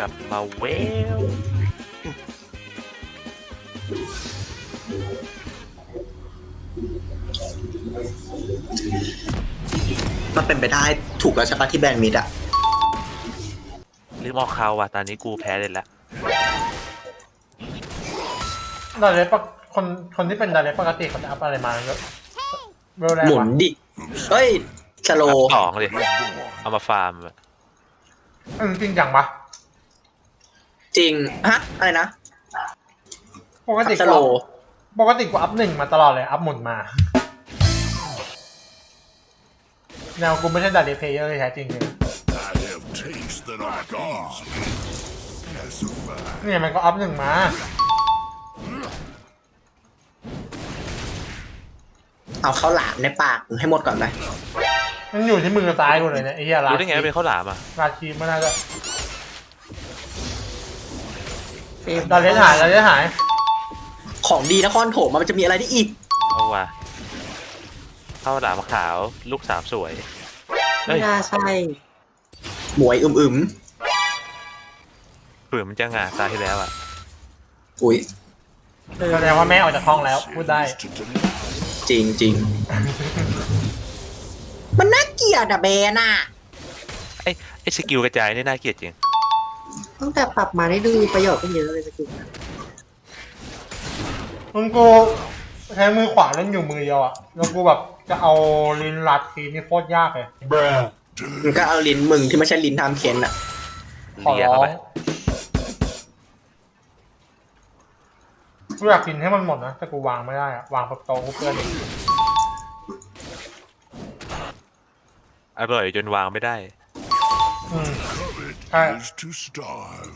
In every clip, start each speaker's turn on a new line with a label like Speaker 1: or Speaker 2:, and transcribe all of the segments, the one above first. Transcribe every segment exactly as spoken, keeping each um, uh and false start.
Speaker 1: ลับมาเวล
Speaker 2: มันเป็นไปได้ถูกแล้วใช่ปะที่แบนมิดอะ
Speaker 1: ลืมออกข่าวว่ะตอนนี้กูแพ้เลยละ
Speaker 3: ดาเลปคนคนที่เป็นดาเลปกติเขาจะอัพอะไรมาเยอะเวลแรก
Speaker 2: หมุน
Speaker 3: วะ
Speaker 2: ดิเฮ้ยสโล
Speaker 1: อัพสองเลยเอามาฟาร์มอะ
Speaker 3: เออจริงจังปะ
Speaker 2: จริงฮะอะไรนะ
Speaker 3: ปกติ
Speaker 2: ส
Speaker 3: กู
Speaker 2: โล
Speaker 3: อัพปกติกูอัพหนึ่งมาตลอดเลยอัพหมุนมาแนวกูไม่ใช่ดาเลเพเยอร์เลยแท้จริงเลย
Speaker 4: I have tastes that are easy. Pacify.
Speaker 3: เนี่ยมันก็อัพหนึ่งมา
Speaker 2: เอาข้าวหลามในปากมึงให้หมดก่อนไหม
Speaker 3: มันอยู่ที่มือซ้ายกูเลยเนี่ยไอ้เหี้ยรา
Speaker 1: รู้ได้ไงว่าเป็นข้าวหลามอ่ะ
Speaker 3: ราชีไม่น่าจะดาเลหายดาเลหาย
Speaker 2: ของดีนครโถมมันจะมีอะไรได้อีก
Speaker 1: เอาว่ะข้าวหลามขาวลูกสามสวยเฮ้
Speaker 5: ไม่
Speaker 1: ย
Speaker 5: น่าใช่
Speaker 2: หมวยอึม
Speaker 1: เผื่อมันจะงาตาที่แล้วอ่ะ
Speaker 2: ๆอุ้ย
Speaker 3: แสดงว่าแม่ออกจากห้องแล้วพูดได้
Speaker 4: To delight.
Speaker 2: จริงจริงมันน่าเกลียดอะแบนอะ
Speaker 1: ไอ้ไอ้สกิลกระจายนี่น่าเกลียดจริง
Speaker 5: ตั้งแต่ปรับมาได้ดูมีประโยชน์ขึ้นเยอะเลยสกิลนะ
Speaker 3: มึงกูใช้มือขวาเล่นอยู่มือเดียวอะแล้วกูแบบจะเอาลิ้นรัดทีนี่โคตรยากเลย
Speaker 2: มึงก็เอาลิ้นมึงที่ไม่ใช่ลิ้นทำเค้นอะ
Speaker 3: ขอ
Speaker 1: เลีย
Speaker 3: ร้อ
Speaker 1: เข้าไป
Speaker 3: งกูอยากกินให้มันหมดนะแต่กูวางไม่ได้อะวางบนโต๊ะกูเพื่อนอีก
Speaker 1: อร่อยจนวางไม่ได้
Speaker 3: อืม
Speaker 4: It
Speaker 3: Alright.
Speaker 4: is to starve.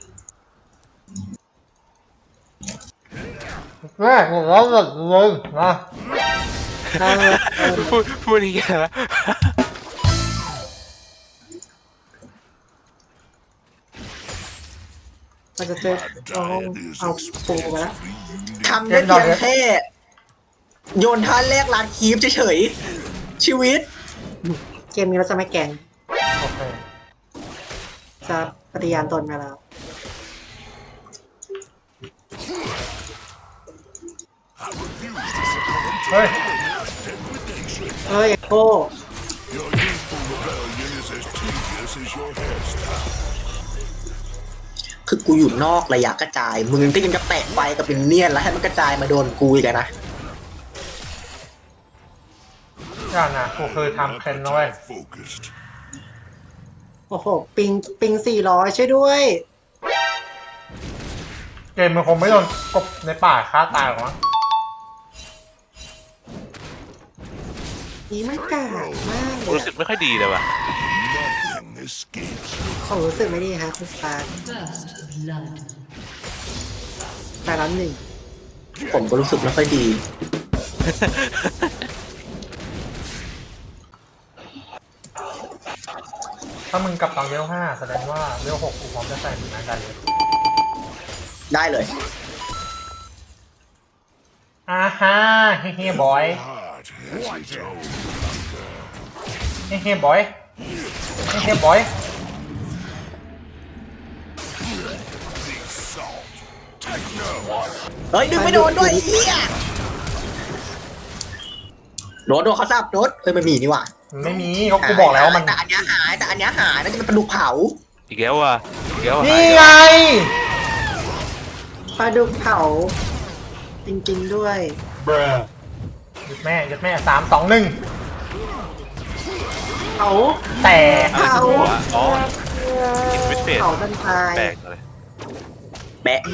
Speaker 3: แม่กูร้องหมดเลยนะ
Speaker 5: ได้เลยเออ
Speaker 1: พูดพูดอย่างเงี้ยละ
Speaker 5: มันจะเจอเอาเอาปูมาแล้ว
Speaker 2: ทำได้เพียงแค่โยนท่าแรกลานคีฟเฉยๆชีวิต
Speaker 5: เกมนี้เราจะไม่แกล้ง
Speaker 3: โอเค
Speaker 5: จะปฏิญาณตนมาแล้ว
Speaker 3: เฮ้ย
Speaker 5: เอ้ยโก้
Speaker 4: Your youthful rebellion is as tedious as your hairstyle.
Speaker 2: คือกูอยู่นอกระยะกระจาย มึงก็ยังจะแปะไฟกับเป็นเนียนแล้วให้มันกระจายมาโดนกูอีกอะนะ
Speaker 3: อย่านะกูเคยทำเคนนะเว้ย
Speaker 4: Appetite focused.
Speaker 5: โอ้โห ปิงปิงสี่ร้อยช่วยด้วย
Speaker 3: เกมมันคงไม่โดนกบในป่าฆ่าตายหรอกมั้ง
Speaker 5: นี่มันกากมากเลย
Speaker 1: รู้สึกไม่ค่อยดีเลยว่ะ
Speaker 4: Nothing escapes you.
Speaker 5: ผมรู้สึกไม่ดีฮะคุณสตาร์
Speaker 6: First blood.
Speaker 5: แต่ละหนึ่ง
Speaker 2: ผมก็รู้สึกไม่ค่อยดี
Speaker 3: ถ้ามึงกลับตอนเวลห้าแสดงว่าเวลหกกูพร้อมจะใส่เหมือนกันเลย
Speaker 2: ได้เลย
Speaker 3: อ่าฮ่าเฮ้เฮ้บอย
Speaker 4: Heart has its own.
Speaker 3: เฮ้เฮ้บอยเฮ้เฮ้บอย
Speaker 4: Salt. Take no.
Speaker 2: เฮ้ย ดึงไม่โดนด้วยไอ้เฮียโดนโดนเขาซับโดนเฮ้ยมันมีนี่หว่า
Speaker 3: มันไม่มีเขากูบอกแล้วว่ามัน
Speaker 2: แต่อันเนี้ยหายแต่อันเนี้ยหายน่าจะเป็นปลาดุกเผา
Speaker 1: อีกแล้วว่ะอีกแล้วว่ะ
Speaker 3: นี่ไง
Speaker 5: ปลาดุกเผา จริง ๆ ด้วย
Speaker 3: หยุดแม่หยุดแม่สามสองหนึ่ง
Speaker 5: เผา
Speaker 3: แต่
Speaker 5: เผา
Speaker 1: หัวอ๋ออินวิสเฟส
Speaker 5: เผาดันตาย
Speaker 1: แปลกเลย
Speaker 2: แบะ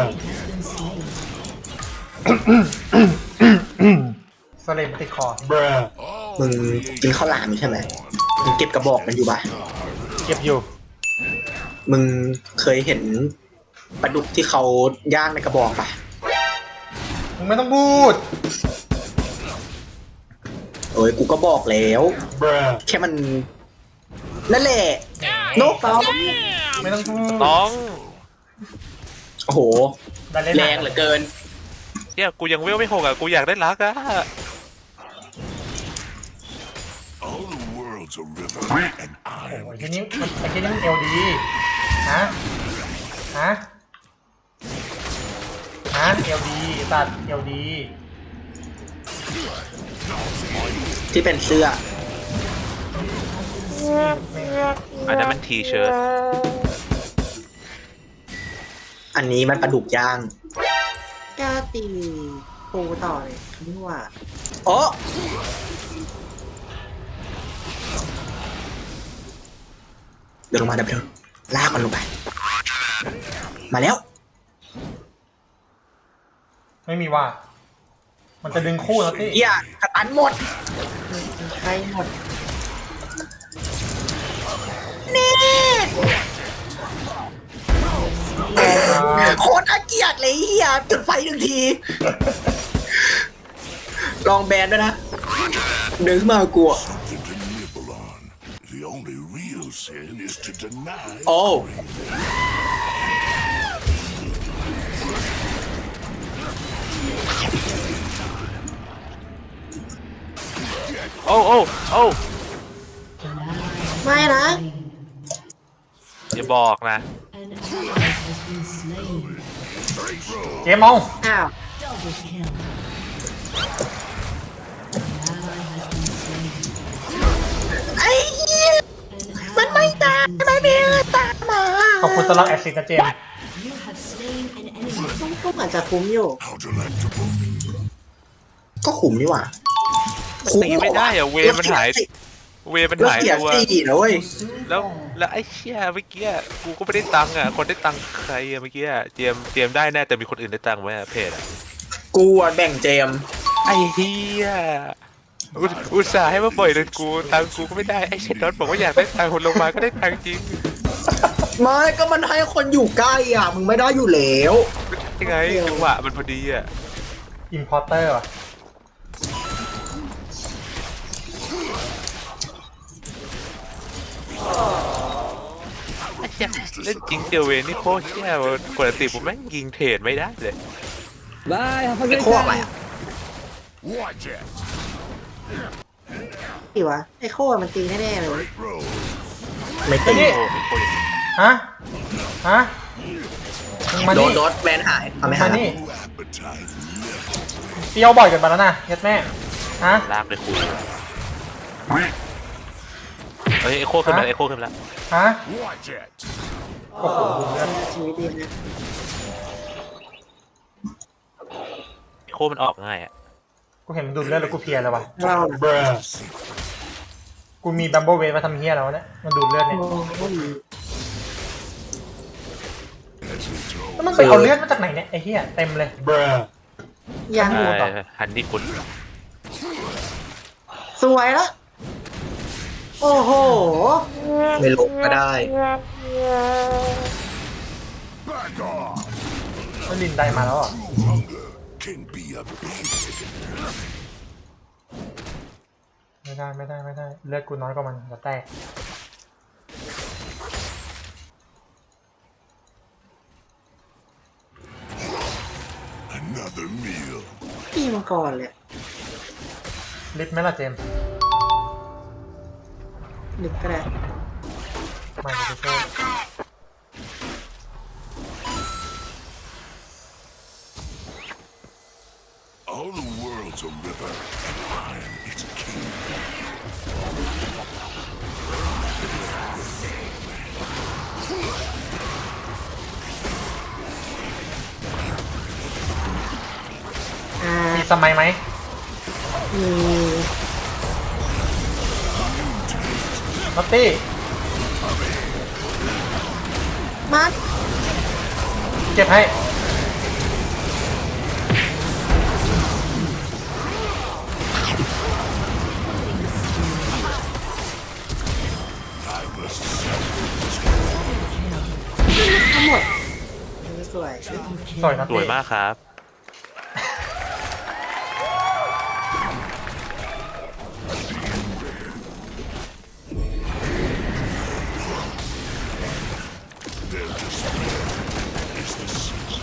Speaker 3: สเลมติดคอ
Speaker 4: All
Speaker 2: มึงกินข้าวหลามอยู่ใช่ไหมมึงเก็บกระบอกมันอยู่ปะ
Speaker 3: เก็บอยู่
Speaker 2: มึงเคยเห็นปลาดุกที่เขาย่างในกระบอกปะ
Speaker 3: มึงไม่ต้องพูด
Speaker 2: เอ้ยกูก็บอกแล้ว แค่มันนั่นแหละนก
Speaker 5: ต้อง
Speaker 3: ไม่ต้องพูด
Speaker 1: ต้อง
Speaker 2: โอ้โห
Speaker 3: ได้เล่น
Speaker 2: แรงเหลือเกิน
Speaker 1: เนี่ยกูยังเวลไม่หกอ่ะกูอยากได้รักอ่ะ
Speaker 4: all the world's a river, and
Speaker 3: โอ้
Speaker 4: I'm
Speaker 3: ยที่นี่มันไอ้ที่นี่มันเอลดีฮะฮะฮะเอลดีตัดเอลดี
Speaker 2: ที่เป็นเสื้อ
Speaker 1: อันนั้นมันทีเชิ้ต
Speaker 2: อันนี้มันปลาดุกย่าง
Speaker 5: กล้าตีปูต่อเลยนี่ว่า
Speaker 2: โอ้เดินลงมาเดี๋ยวเพิ่งลากมันลงไป มาแล้ว
Speaker 3: ไม่มีว่า มันจะดึงคู่แล้วพี่
Speaker 2: เหี้ยกระตันหมด
Speaker 5: ใครหมด
Speaker 2: นี่โคตรน่าเกลียดเลยเฮียจุดไฟหนึ่งที ลองแบนด้วยนะ เดินขึ้นมากลัว
Speaker 4: Something to nibble on. The only real sin is to deny.
Speaker 2: โอ้
Speaker 1: โอ้โอ้โอ้
Speaker 5: ไม่นะ
Speaker 1: อย่าบอกนะ
Speaker 6: An ally has been slain.
Speaker 3: เจมมอง
Speaker 5: อ้าว
Speaker 6: Double kill. An ally has been slain.
Speaker 2: ไอ้เหี้ย
Speaker 6: An
Speaker 2: มันไม่
Speaker 6: ally
Speaker 2: ตาย
Speaker 6: has
Speaker 2: ไม่
Speaker 6: been
Speaker 2: มี
Speaker 6: slain.
Speaker 2: ตามมา
Speaker 3: ขอบคุณสำหรับแอสซิสต์นะเจม
Speaker 6: You have slain an enemy.
Speaker 5: ก็เหมือนจะคุ้มอยู่
Speaker 4: How delectable.
Speaker 2: ก็ขุมนี่หว่า
Speaker 1: ตีไม่ได้อะเวมันหาย เวมัน
Speaker 2: แล้ว
Speaker 1: หาย
Speaker 2: เสีย
Speaker 1: ตัว
Speaker 2: สี่นะเว้ย
Speaker 1: แล้วแล้วไอ้เชี่ยเมื่อกี้กูก็ไม่ได้ตังค์อ่ะคนได้ตังค์ใครอ่ะเมื่อกี้เจมเจมได้แน่แต่มีคนอื่นได้ตังค์ไหมอะเพจอ่ะ
Speaker 2: กูอะแบ่งเจม
Speaker 1: ไอ้เฮียอุตอุตส่าห์ให้มาปล่อยเดินกูตังค์กูก็ไม่ได้ไอ้เชนดอนบอกว่าอยากได้ตังค์คนลงมาก็ได้ตังค์จริง
Speaker 2: ไม่ก็มันให้คนอยู่ใกล้อ่ะ มึงไม่ได้อยู่แล้ว
Speaker 1: ยังไงจังหวะมันพอดีอ่ะ
Speaker 3: อิมพอร์เตอร์ว่ะ
Speaker 1: ไอ้เชี่ยเล่นจริงเจลเวนนี่โคตรเชี่ยปกติผมแม่งยิงเทรดไม่ได้เลย
Speaker 2: ไอ้โคกอะไรอ่ะ
Speaker 4: Watch it.
Speaker 5: สิวะ ไอ้โค้มันตีแน่ๆเลย
Speaker 2: ไม่
Speaker 3: ไอ้
Speaker 2: ตี
Speaker 3: นี่
Speaker 1: โอ้โหอย่างนี้
Speaker 3: ฮะ ฮะมึงมา
Speaker 2: โด
Speaker 3: นี่
Speaker 2: นโดนแบนหายทำไม
Speaker 3: มา
Speaker 2: หาย
Speaker 3: นี่
Speaker 4: Appetite.
Speaker 3: เปรี้ยวบ่อยเกันไปแล้วนะเย็ดแม่ ฮะ
Speaker 1: ลากไปคุยเฮ้ยไอโคขึ้นมาไอโคขึ้นมาแล้ว
Speaker 3: ฮะ
Speaker 4: Watch it.
Speaker 3: โอ้โหดูเลือด
Speaker 5: ชีวิตดีนะ
Speaker 1: ไอโคมันออกง่ายอ่ะ
Speaker 3: กูเห็นมันดูดเลือดแล้วกูเพลียแล้ววะ
Speaker 5: เราน่ะ
Speaker 3: กูมีบัมเบิลเวทมาทำเฮียแล้ววะเนี่ย มันดูดเลือดเนี่ย
Speaker 5: โอ้ย
Speaker 3: แล้วมันไปเอาเลือดมาจากไหนเนี่ยไอ้เฮียเต็มเลย
Speaker 5: ยัง
Speaker 3: ดูต่อ
Speaker 1: ฮันนี่คุณ
Speaker 5: สวยแล้ว โอ้โห
Speaker 2: ไม่ลงก็ได้
Speaker 4: Back off.
Speaker 3: แล้วลินได้มาแล้วเหรอ
Speaker 4: True hunger can be a basic.
Speaker 3: ไม่ได้ไม่ได้ไม่ได้ เลือดกูน้อยกว่ามันจะแตก
Speaker 4: Another meal.
Speaker 5: ตีมังกรเลย
Speaker 3: ลิฟต์ไหมล่ะเจมส์
Speaker 5: ดึกก็ได้
Speaker 3: มาเดี๋ยวจะช่วย
Speaker 4: All the world's a river, and I am its king.
Speaker 5: อ่า
Speaker 3: มีสมัยไหม
Speaker 5: มี
Speaker 3: นอตตี้
Speaker 5: มัด
Speaker 3: เก็บให้
Speaker 5: ทั้งหมดสวย
Speaker 3: สวยนอต
Speaker 1: สวย
Speaker 3: ตี้
Speaker 1: มากครับ
Speaker 4: Their despair is the season.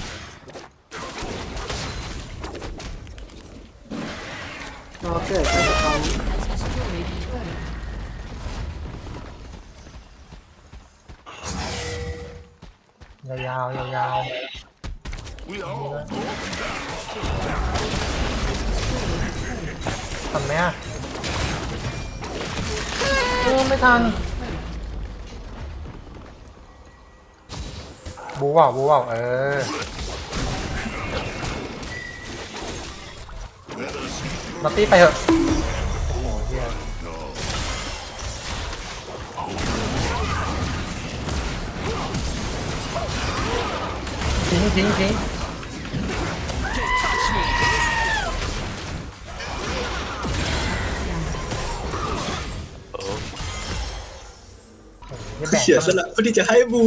Speaker 5: รอเกิดก็จะเอา
Speaker 6: Has destroyed a turret.
Speaker 3: ยยาวๆยาว
Speaker 4: We are all going down.
Speaker 3: ๆทำไหมอ่ะเออไม่ทันบูว่าวบูว่าวเออ นัตตี้ไปเถอะโอ้โหเฮียทิ้งทิ้งทิ้ง
Speaker 1: โอ้
Speaker 3: เฮียแบ่ง
Speaker 2: เสียสละเพื่อที่จะให้บู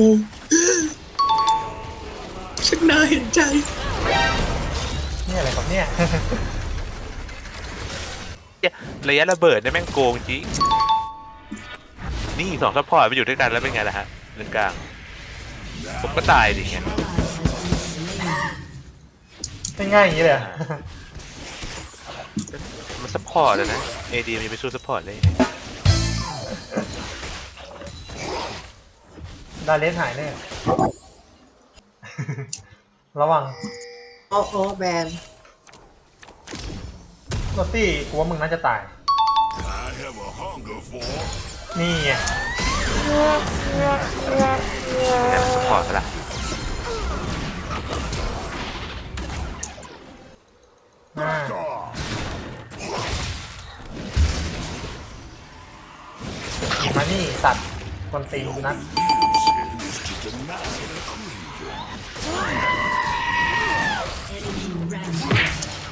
Speaker 2: ฉันน่าเห็นใจ
Speaker 3: นี่อะไรครับเนี่ย
Speaker 1: ระยะระเบิดเนี่ยแม่งโกงจริงนี่สองซัพพอร์ตไปอยู่ด้วยกันแล้วเป็นไงล่ะฮะเรื่องกลางผมก็ตายดิไง
Speaker 3: ไม่ง่ายอย่างนี้เลยเหรอ
Speaker 1: มันซัพพอร์ตเลยนะเอดีมันจะไปสู้ซัพพอร์ตได้ยังไง
Speaker 3: ดาเลสหายแน่ ระวัง
Speaker 5: โอ้โหแบน
Speaker 3: นัตตี้กูว่ามึงน่าจะตาย
Speaker 4: I have a hunger for
Speaker 3: นี่ไง
Speaker 1: แค่ซัพพอร์ตละ
Speaker 3: อ่า
Speaker 4: God.
Speaker 3: มานี่สัตว์คนตีกูนัด
Speaker 4: Sin is to deny the craving.
Speaker 6: Enemy rampage.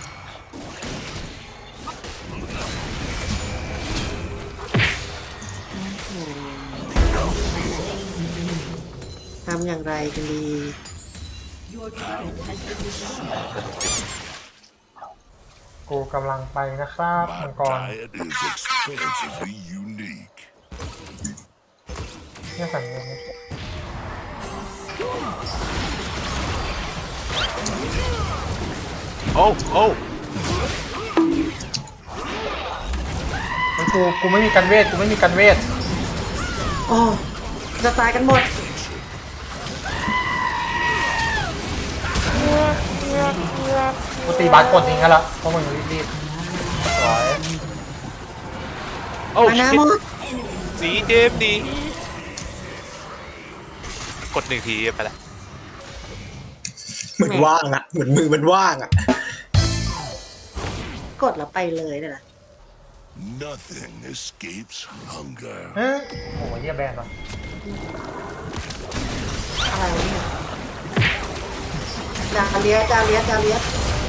Speaker 5: ทำอย่างไรกันดี
Speaker 6: Your turret has been destroyed.
Speaker 3: กูกำลังไปนะครับมั
Speaker 4: My
Speaker 3: งกร
Speaker 4: diet is expansively unique.
Speaker 3: เนี่ยสั่งเงิน
Speaker 1: โอ้โอ้
Speaker 3: เฮ้ยกูกูไม่มีกันเวทกูไม่มีกันเวท
Speaker 5: โอ้จะตายกันหมด
Speaker 3: กูตีบาสกดทิ้งกันละเพราะมึงรีบๆสวย
Speaker 1: โอ้
Speaker 5: มานา
Speaker 1: ชิ
Speaker 5: หม
Speaker 1: ต
Speaker 5: ด
Speaker 1: สีเจมส์ดีกดหนึ่งทีไปละ
Speaker 2: เหมือนว่างอะเหมือนมือมันว่างอะ
Speaker 5: กดแล้วไปเลยเนี่ยนะ
Speaker 4: Nothing escapes hunger.
Speaker 3: เฮ้ยโอ้โหเฮียแบนว่ะ
Speaker 5: อะไรวะเนี่ยจาเลียสจาเลียสจาเลียส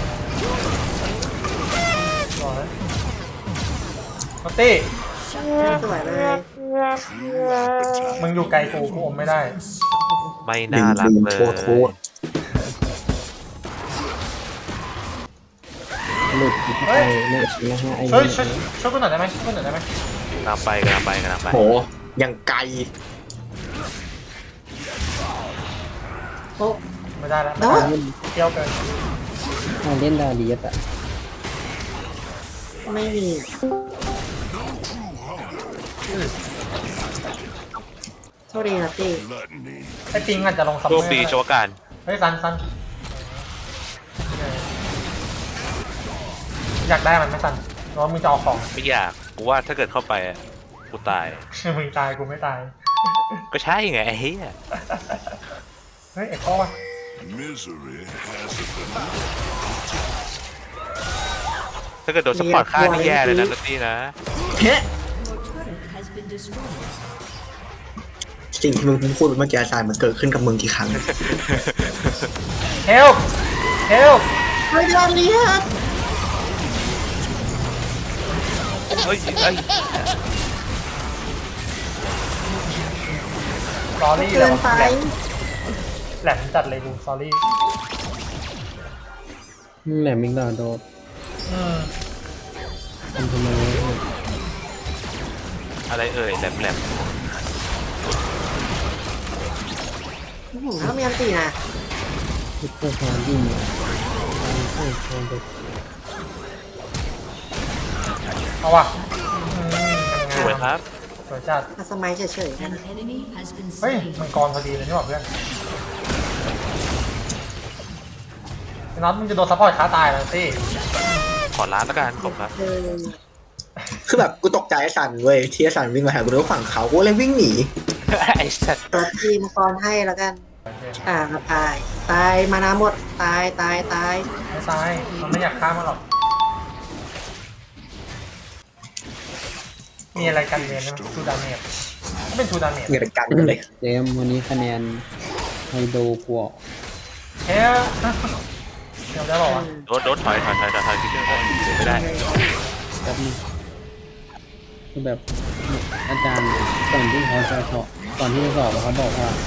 Speaker 3: สวยนัตตี้
Speaker 5: สวยเลย
Speaker 4: True appetite.
Speaker 3: มึงอยู่ไกลกูกูอมไม่ได้
Speaker 1: ไม่น่ารักเลย
Speaker 2: โทษโทษ
Speaker 7: หลุดไปไม่นะฮะไอ้
Speaker 3: เฮ้ยช่วยช่วยกูหน่อยได้ไหมช่วยกูหน่อยได้ไหม
Speaker 1: กำลังไปกำลังไปกำลังไป
Speaker 2: โหยังไกล
Speaker 5: โอ้
Speaker 3: ไม่ได้แล้ว
Speaker 5: แล้ว
Speaker 3: เที่ยวเกิน
Speaker 7: อ่าเล่นดาเลียสอะ
Speaker 5: ไม่มีโทษดีนะตี
Speaker 4: Gluttony.
Speaker 3: ไอ้ปิงอาจจะลงซัม
Speaker 1: โช
Speaker 3: เมอ
Speaker 1: ค
Speaker 3: ร์
Speaker 1: ดีโชวการ
Speaker 3: เฮ้ยซันซันอยากได้มันไหมซันหรือว่ามึงจะเอาของ
Speaker 1: ไม่อยากกูว่าถ้าเกิดเข้าไปอะกูตาย
Speaker 3: มึงตายกูไม่ตาย
Speaker 1: ก็ใช่ไงไอ้เหี้ย
Speaker 3: เฮ้ยไอ้ข้อวะ
Speaker 4: Misery has a banana.
Speaker 1: ถ้าเกิดโดนสปอร์ตฆ่านี่แย่เลยนะนัตตี้นะ
Speaker 2: เฮ้
Speaker 6: Your turret has been destroyed.
Speaker 2: สิ่งที่มึงพูดเมื่อกี้อาจารย์มันเกิดขึ้นกับมึงกี่ครั้ง
Speaker 3: เฮลเฮล
Speaker 5: เฮ้ยจาเลียส
Speaker 1: เฮ้ยเฮ้ย
Speaker 3: สอรี่
Speaker 5: เกินไป
Speaker 3: แหลมจัดเลยกูสอรี่
Speaker 7: แหลมมิงดาโดด
Speaker 3: อืม
Speaker 7: ทำทำไม
Speaker 1: อะไรเอ่ยแหลมแหลม
Speaker 5: อื้อหือถ้ามีอันตีนะ
Speaker 7: ซุปเปอร์ฮาร์ดี้โอ้โห
Speaker 3: เอาว่ะอืม
Speaker 1: สวยครับ
Speaker 3: สวยจัด
Speaker 5: อาสมัยเฉยๆนะ
Speaker 6: An enemy has been
Speaker 3: เฮ้ย
Speaker 6: slain.
Speaker 3: มังกรพอดีเลยนี่หว่าเพื่อนน็อตมึงจะโดนซัพพอร์ตค้าตายแล้วสิ
Speaker 1: ขอร้านละกันผมครับ
Speaker 5: เออ
Speaker 2: คือแบบกูตกใจไอ้สันเว้ยที่ไอ้สันวิ่งมาหากูด้วยฝั่งเขากูเลยวิ่งหนี
Speaker 1: ไอ้สัตว์
Speaker 5: ตัวทีมกรให้แล้วกัน อ่ามาตาย ตายมานาหมด ตายตายตาย
Speaker 3: ไม่ตายมันไม่อยากฆ่ามันหรอกมีอะไรกันเรียนนะทูดาเมจก็เป็นทูดาเมจ
Speaker 2: เงินกันกันเลย
Speaker 7: เจมส์วันนี้คะแนนไฮโดพวก
Speaker 3: เฮ้ยเดี๋ยวได้บอกว่า
Speaker 1: โดนโดนถอยถอยถอยถอยถอยที่เรื่องไม่ได้
Speaker 7: แบบนี้คือแบบอาจารย์ก่อนที่เขาจะสอบก่อนที่จะสอบเขาบอกว่า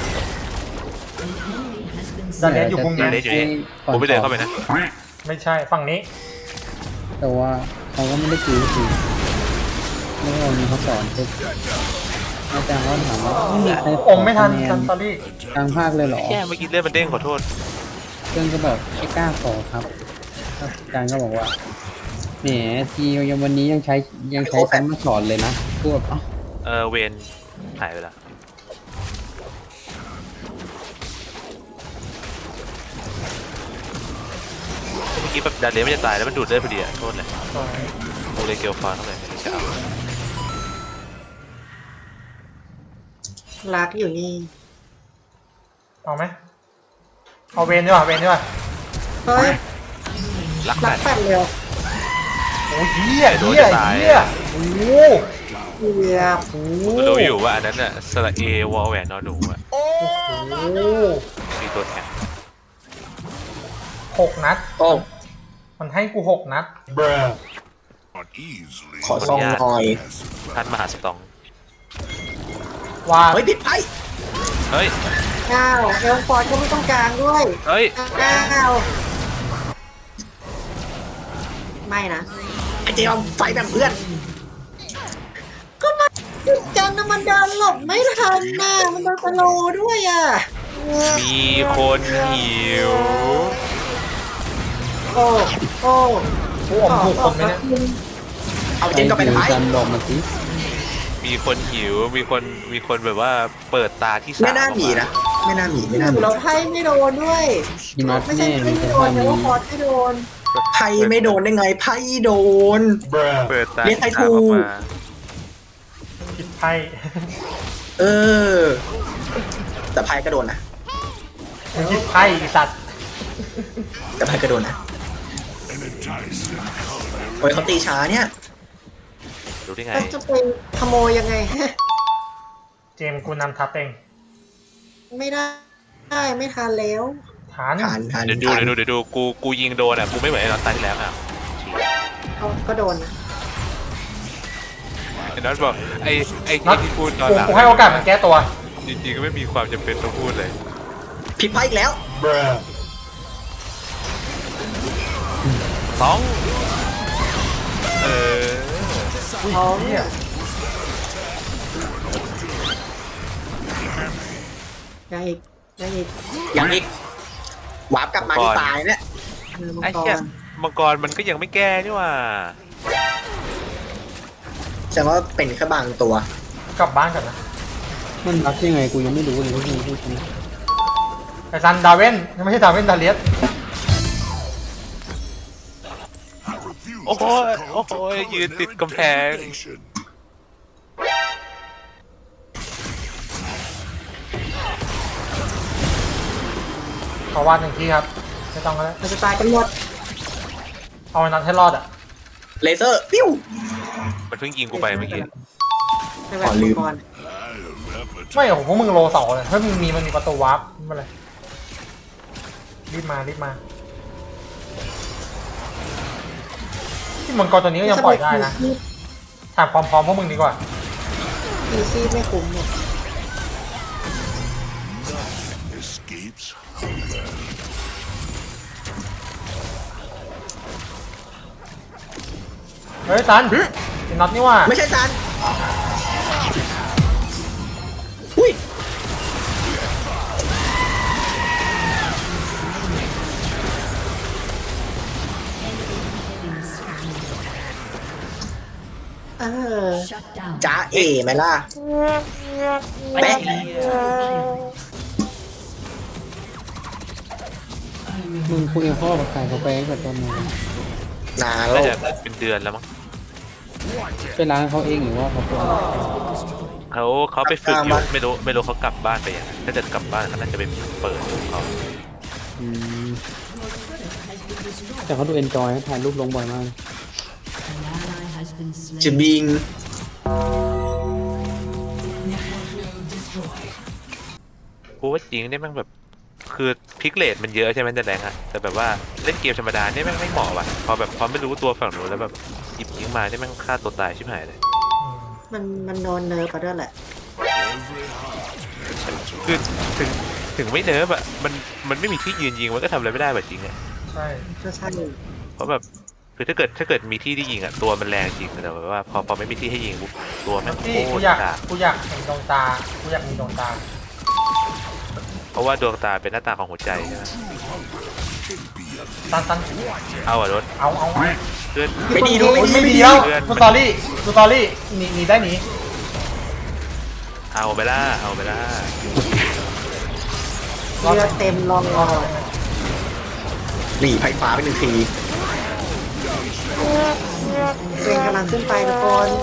Speaker 3: ดาเลียสอยู่มุม
Speaker 1: เดี๋ยว
Speaker 3: นี้
Speaker 1: เดี๋ยวเดี๋ยวผมไม่เดินเข้าไปนะ
Speaker 3: ไม่ใช่ฝั่งนี้
Speaker 7: แต่ว่าเขาก็ไม่ได้คิวสิแล้วก็มีเขาสอนปุ๊บอาจารย์เขาถามว่าไม่มีใครข
Speaker 3: อมไม่ทัน
Speaker 7: คะแ
Speaker 3: ซันตอรี่
Speaker 7: กลางภาคเลยเหรอ
Speaker 1: แค่เมื่อกี้เลื่อนมันเด้งขอโทษ
Speaker 7: เพื่อนก็บอกไม่กล้าขอครับอาจารย์ก็บอกว่าแหมทียังวันนี้ยังใช้ยังใช้ซ้ำมาสอนเลยนะพูดแบบเอ้า
Speaker 1: เออเวนหายไปละเมื่อกี้แบบดาเลียไม่จะตายแล้วมันดูดเลือดพอดีอะโทษเลยกูเลยเกลียวฟ้าเข้าไปไม่ได้จะเอา
Speaker 5: รักอยู่นี่
Speaker 3: เอาไหมเอาเวนดีกว่าเวนดีกว่า
Speaker 5: เฮ้ย
Speaker 1: รัก
Speaker 5: รั
Speaker 1: กั
Speaker 5: ก
Speaker 1: น
Speaker 5: แปดเร็ว
Speaker 3: โอ้ยเหี้ยเหี้ยเหี้ยโอ้โห
Speaker 5: เกือบ
Speaker 3: โอ้
Speaker 1: กูรู้อยู่ว่าอันนั้นอะสระเอวอลแหวนนอหนูอะ
Speaker 3: โห
Speaker 1: มีตัวแทน
Speaker 3: หกนัด
Speaker 2: โอ้
Speaker 3: มันให้กูหกนัด
Speaker 4: Not easily.
Speaker 2: ขอซองหน่อย
Speaker 1: ท่านมหาสตอง
Speaker 3: ว่า
Speaker 2: เฮ้ยผิดไพ่
Speaker 1: เฮ้ย
Speaker 5: อ้าวเอลฟอร์ดก็ไม่ต้องกลางด้วย
Speaker 1: เฮ้ย
Speaker 5: อ้าวไม่นะ
Speaker 2: ไอ้เจมไฟแบบเพื่อน
Speaker 5: ก็มันจังนะมันเดินหลบไม่ทันน่ะมันโดนสโลว์ด้วยอ่ะ
Speaker 1: มีคนหิว
Speaker 5: โอ้โอ้
Speaker 3: กูอมถูกคนไหมเนี่ย
Speaker 2: เอาเจมก็ไป
Speaker 7: ใคร
Speaker 2: ไพ่
Speaker 7: หิวกันบอกมาสิ
Speaker 1: มีคนหิว มีคน มีคนแบบว่าเปิดตาที่สาม
Speaker 2: ไม่น่าหนีนะ ไม่น่าหนีไม่น่าหนี
Speaker 5: เราไพ่ไม่โดนด้วย
Speaker 7: พี่น็อต
Speaker 5: ไม่ใช่
Speaker 7: แน่
Speaker 5: ไม่
Speaker 7: มีแต่
Speaker 5: โด
Speaker 7: ท่าน
Speaker 5: แต่
Speaker 7: นี้
Speaker 5: ว่าฟอร์ดไม่โดน
Speaker 2: ไพ่ไม่โดนได้ไงไพ่โดน
Speaker 1: เปิดตา
Speaker 2: เรียกใคร
Speaker 1: ที่สามออก
Speaker 2: ถูก
Speaker 1: มา
Speaker 3: ผิดไพ่
Speaker 2: เออ แต่ไพ่ก็โดนนะ
Speaker 3: มึงผิดไพ่ไอ้สัตว์
Speaker 2: แต่ไพ่ก็โดนนะ
Speaker 4: Enticing color.
Speaker 2: โอ้ยเขาตีช้าเนี่ย
Speaker 1: รู้ได้ไง
Speaker 5: ก็จะไปขโมยยังไง
Speaker 3: เจมส์กูนำทัพเอง
Speaker 5: ไม่ได้ได้ไม่ทันแล้ว
Speaker 3: ฐาน
Speaker 2: ทานทาน
Speaker 1: เดี๋ยวดู เดี๋ยวดู เดี๋ยวดู กู กูยิงโดนอ่ะ กูไม่เหมือนไอ้น็อตตาที่แล้วอ่ะ
Speaker 5: เขาก็โดนนะ
Speaker 1: ไอ้น็อตบอก ไอ้ ไอ้
Speaker 3: น็อต
Speaker 1: ที่พูดตอน
Speaker 3: กู
Speaker 1: หลัง
Speaker 3: กูให้โอกาสมันแก้ตัว
Speaker 1: จริงๆก็ไม่มีความจำเป็นต้องพูดเลย
Speaker 2: ผิดไพ่อีกแล้ว
Speaker 1: สอง เออ
Speaker 5: ท้อง
Speaker 3: เนี่ย
Speaker 5: ยังอีกยังอีก
Speaker 2: อย่างอีกวาร์ปกลับมาที่ตายเนี่ย
Speaker 5: มือมัง
Speaker 1: ไอ้
Speaker 5: ก
Speaker 1: เหี้ย
Speaker 5: ร
Speaker 1: มังกรมันก็ยังไม่แก้นี่หว่า
Speaker 2: แสดงว่าเป็นแค่บางตัว
Speaker 3: กลับบ้านก่อนนะ
Speaker 7: มันรักยังไงกูยังไม่รู้เลยที่มึงพูดกัน
Speaker 3: ไอ้ซันดาเวนยังไม่ใช่ดาเวนดาเลียส
Speaker 4: I refuse
Speaker 1: โอ้โห
Speaker 4: to succumb
Speaker 1: โอ้โห
Speaker 4: to
Speaker 1: ยืนติด
Speaker 4: culinary
Speaker 1: กำแพง
Speaker 4: degradation.
Speaker 3: ขอวาดหนึ่งทีครับ ไม่ต้องแล้ว
Speaker 5: มันจะตายกันหมด
Speaker 3: เอาไอ้น็อตให้รอดอ่ะ
Speaker 2: เลเซอร์ปิ้ว
Speaker 1: มันเพิ่งยิงกูไปเมื่อกี้
Speaker 5: ในแบบ
Speaker 2: ขอลื
Speaker 5: มั
Speaker 2: ม
Speaker 5: งกร
Speaker 4: I have appetite.
Speaker 3: ไม่โอ้โหพวกมึงโลเสาเลยถ้ามึงมีมันมีประตูวาร์ปไม่เป็นไรรีบมารีบมาที่มังกรตัวนี้ก็ยังปล่อยได้นะถามความพร้อมพวกมึงดีกว่า
Speaker 5: อีซี่ไม่คุ้มเนี่ย
Speaker 4: Escapes hunger.
Speaker 3: เฮ้ยซันไอ้น็อตนี่ว่า
Speaker 2: ไม่ใช่ซันอุ้ย
Speaker 5: เออ
Speaker 6: Shut down.
Speaker 2: จ้าเอไหมล่ะแปะ
Speaker 7: มึงคุยกับพ่อกับใครเขาไปตั้งแต่ตอนไหน
Speaker 2: นานแล้
Speaker 1: น่าว จะเป็นเดือนแล้วมั้ง
Speaker 7: ไปร้านเขาเองหรือว่าเขาไป
Speaker 1: เขาเขาไปฝึกอยู่ไม่รู้ไม่รู้เขากลับบ้านไปยังถ้าเกิดกลับบ้านเขาน่าจะไปเปิดของเขา
Speaker 7: อืมแต่เขาดูเอนจอยถ่ายรูปลงบ่อยมาก
Speaker 6: An ally has been
Speaker 2: จะ
Speaker 6: slain.
Speaker 2: บิง
Speaker 1: กูว่าจริงเนี่ยแม่งแบบคือพิกเลตมันเยอะใช่ไหมแต่แรงอะแต่แบบว่าเล่นเกมธรรมดาเนี่ยแม่งไม่เหมาะว่ะพอแบบพอไม่รู้ตัวฝั่งนู้นแล้วแบบหยิบยิงมาเนี่ยแม่งฆ่าตัวตายชิบหายเลย
Speaker 5: มันมันโดนเนิร์ฟไปด้วยแหละ
Speaker 1: คือถึงถึงไม่เนิร์ฟอะมันมันไม่มีที่ยืนยิงมันก็ทำอะไรไม่ได้แบบจริงอะ
Speaker 3: ใช่
Speaker 5: ก็ใช่
Speaker 1: เพราะแบบคือถ้าเกิดถ้าเกิดมีที่ที่ยิงอะตัวมันแรงจริงแต่แบบว่าพอพอไม่มีที่ให้ยิงปุ๊บตัวแม่งโค
Speaker 3: ที่กู
Speaker 1: ตร
Speaker 3: อยาก
Speaker 1: กาก
Speaker 3: กูอยากเห็นดวงตากูอยากมีดวงตา
Speaker 1: เพราะว่าดวงตาเป็นหน้าตาของหัวใจใช่ไหม
Speaker 3: ตันตัน
Speaker 1: เอาอะรถ
Speaker 3: เอาเอาเอา
Speaker 1: เพื่อน
Speaker 2: ไม่ดีด้วย
Speaker 3: โอ้ย
Speaker 2: ไม่
Speaker 3: ไม่
Speaker 2: ดี
Speaker 3: ดีแล้ว
Speaker 1: เพื่อน
Speaker 3: ดูสตอรี่ดูสตอรี่หนีหนีได้หนี
Speaker 1: เอาไปล่าเอาไปล่า
Speaker 5: เรือเต็มรองรอ
Speaker 2: หนีไฟฟ้าไปหนึ่งที
Speaker 5: เป็นกำลังขึ้นไปทุกคน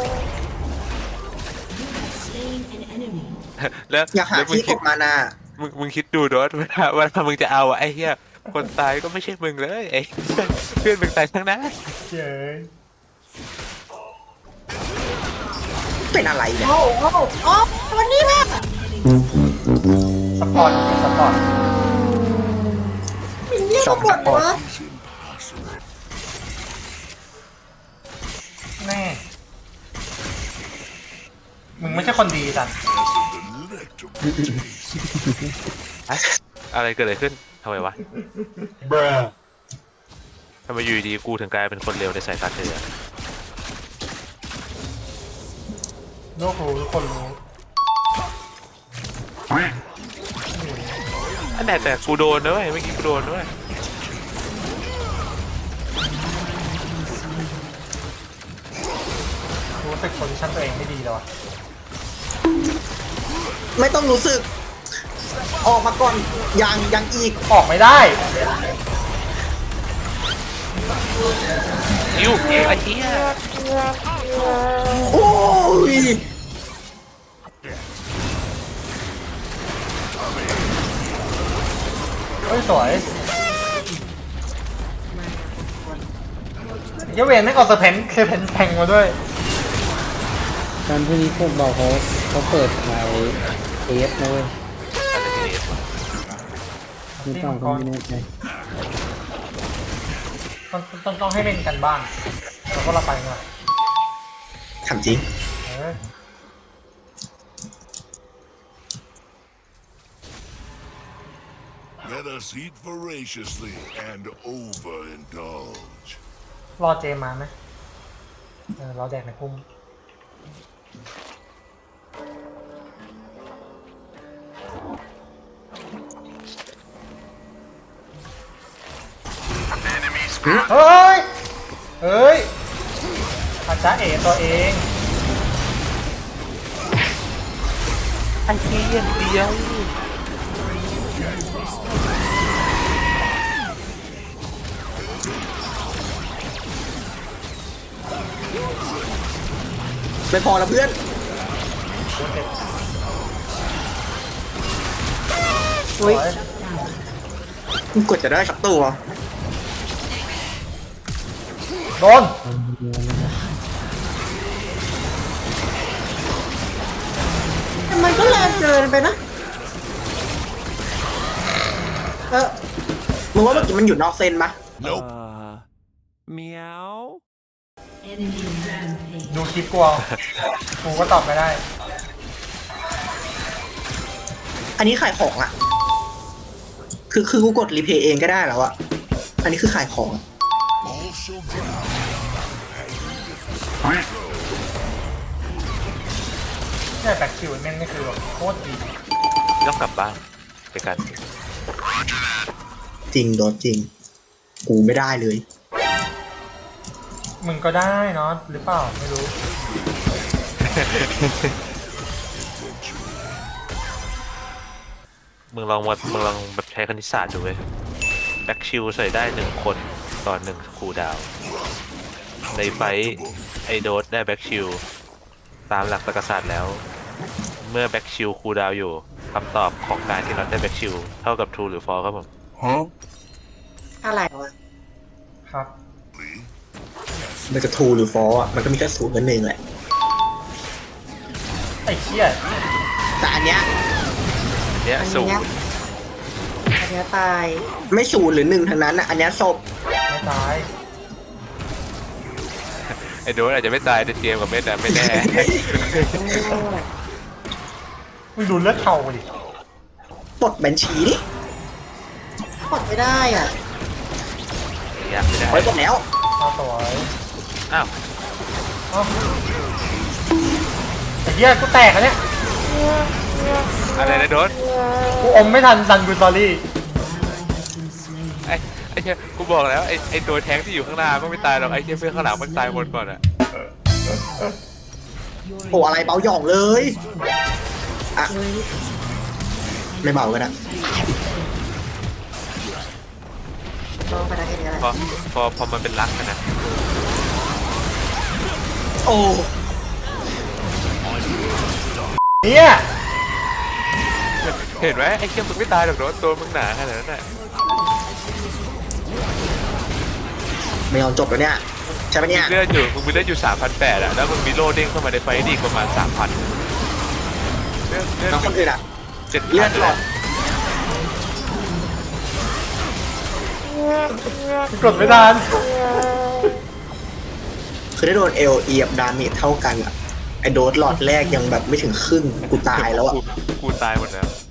Speaker 6: Slain an enemy.
Speaker 1: แล้ว
Speaker 2: อยากหา
Speaker 1: แล้วมึง
Speaker 2: ที่ก
Speaker 1: คิด
Speaker 2: บมานา
Speaker 1: มึงมึงคิดดูรถเวลาเวลามึงจะเอาอะไอ้เหี้ยคนตายก็ไม่ใช่มึงเลยไอ้เพื่อนมึงตายทั้งนั้น
Speaker 3: เย้ย
Speaker 2: เป็นอะไรเนี่ย
Speaker 5: โอ้โหโอ้วันนี้แม่
Speaker 3: สปอร์ตสปอร์ต
Speaker 5: มินเนี่ยนมาบ่นวะ
Speaker 3: แน่มึงไม่ใช่คนดีสัน
Speaker 1: อะอะไรเกิดอะไรขึ้นทำไมวะทำไมอยู่ดีๆกูถึงกลายเป็นคนเลวในสายตาเธอ
Speaker 3: โลกรู้ทุกคนรู้
Speaker 1: อันไหนแต่กูโดนด้วยเมื่อกี้กูโดนด้วย
Speaker 3: รู้สึกโพซิชั่นตัวเองไม่ดีแล้วอะ
Speaker 2: ไม่ต้องรู้สึก ออกมาก่อนยังยังอีก
Speaker 3: ออกไม่ได้
Speaker 1: อิวไอ้เหี้ย
Speaker 2: โอ้ย
Speaker 3: เฮ้ยสวยเยเวนไม่งเอาเซอร์เพนเซอร์เพนแทงมาด้วย
Speaker 7: การที่นี้พวกเราเขาเขาเปิดขายเอฟนะเว้ย
Speaker 1: อะไรที่นี่
Speaker 7: หรือเปล่าก็ไม่แน่ใจ
Speaker 3: ต้องต้องต้องให้เล่นกันบ้างแล้วก็เราไปมา
Speaker 2: ถามจริง
Speaker 3: เออ
Speaker 4: Let us eat voraciously and overindulge.
Speaker 3: รอเจมมาไหมเออรอแดกในพุ่ม เฮ้ย เฮ้ยอาจารย์เอตัวเอง
Speaker 1: ไอ้เหี้ยเดียว
Speaker 2: ไม่พอแล้วเพื่อน
Speaker 5: อุ้ย
Speaker 2: มึงกดจะได้สักตัว
Speaker 3: โดน
Speaker 5: ทำไมก็แรงเกินไปนะ เออ
Speaker 2: มึงว่าเมื่อกี้มันอยู่นอกเส้นปะ
Speaker 4: Nope.
Speaker 6: Enemy rampage.
Speaker 3: ดูคลิปกูเอากูก็ตอบไม่ได้
Speaker 2: อันนี้ขายของอ่ะ คือคือกูกดรีเพย์เองก็ได้แล้วอ่ะ อันนี้คือขายของอะ
Speaker 4: All shall drown.
Speaker 3: ใช่แบ็คคิวแม่งนี่คือแบบโคตรดี
Speaker 1: ต้องกลับบ้านไปกัน
Speaker 2: จริงโดนจริง กูไม่ได้เลย
Speaker 3: มึงก็ได้เนาะหรือเปล่าไม่รู้
Speaker 1: มึงลองมามึงลองแบบใช้คณิตศาสตร์ดูเว้ยแบ็กชิลใส่ได้หนึ่งคนต่อหนึ่งคูลดาวน์ในไฟท์ไอโดสได้แบ็กชิลตามหลักตรรกศาสตร์แล้ว เมื่อแบ็กชิลคูลดาวน์อยู่คำตอบของการที่เราได้แบ็กชิลเท่ากับ true หรือ false ครับผม
Speaker 4: Huh?
Speaker 5: อะไรวะ
Speaker 3: ครับ
Speaker 2: มันจะทูหรือฟออ่ะมันก็มีแค่ศูนย์กับหนึ่งแหละ
Speaker 3: ไอ้เชี่ย
Speaker 2: แต่อันเนี้ย
Speaker 1: เนี้ย
Speaker 5: อัน
Speaker 1: สูง
Speaker 5: เนี้ยอันเนี้ยตาย
Speaker 2: ไม่ศูนย์หรือหนึ่งทั้งนั้นอะอันเนี้ยศพ
Speaker 3: ไม่ตาย
Speaker 1: ไอโดสอาจจะไม่ตายแต่เจมส์กับเม็ดอะไม่แน่
Speaker 3: มึงดูเลือดเท่าดิ
Speaker 2: ปลดบัญชีดิ
Speaker 5: กดไม่ได้อ่ะ
Speaker 1: อยากไม่ได้
Speaker 2: ไว้ปลดแล้ว
Speaker 3: เอาสวย
Speaker 1: อ้าว
Speaker 3: เอ้าไอ้เหี้ยกูแตกแล้วเนี่ย
Speaker 1: อะไรนะโดส
Speaker 3: กูอมไม่ทันดันกูสตอรี่
Speaker 1: ไอไอเชี่ยกูบอกแล้วไอไอตัวแทงที่อยู่ข้างหน้ามันไม่ตายหรอกไอเชี่ยเพื่อนข้างหลังมันตายหมดก่อนอะ
Speaker 2: โอ้อะไรเบาหย่องเลยอ่ะไม่เบากันนะ
Speaker 5: ลองไปได้แค่นี้แหละ
Speaker 1: พอพอพอมันเป็นรักกันนะ
Speaker 2: โอ้
Speaker 3: เนี่ย
Speaker 1: เห็นไหมไอเชี่ยมึงไม่ตายหรอกโดสตัวมึงหนาขนาดนั้นน่ะ
Speaker 2: ไม่ยอมจบแล้วเนี่ยใช่ปะเนี่ย
Speaker 1: เลือดอยู่มึงมีเลือดอยู่สามพันแปดอะแล้วมึงมีโล่เด้งเข้ามาในไฟต์อีกประมาณสามพันเลือดเลือด
Speaker 2: น้องคนอื่นอ่ะ
Speaker 1: เจ็ด
Speaker 2: เลือดหลอด
Speaker 3: กดไม่ทัน
Speaker 2: คือได้โดนเอลเอียบดาเมจเท่ากันอ่ะไอโดสหลอดแรกยังแบบไม่ถึงครึ่งกูตายแล้วอ่ะ
Speaker 1: กูกูตายหมดแล้ว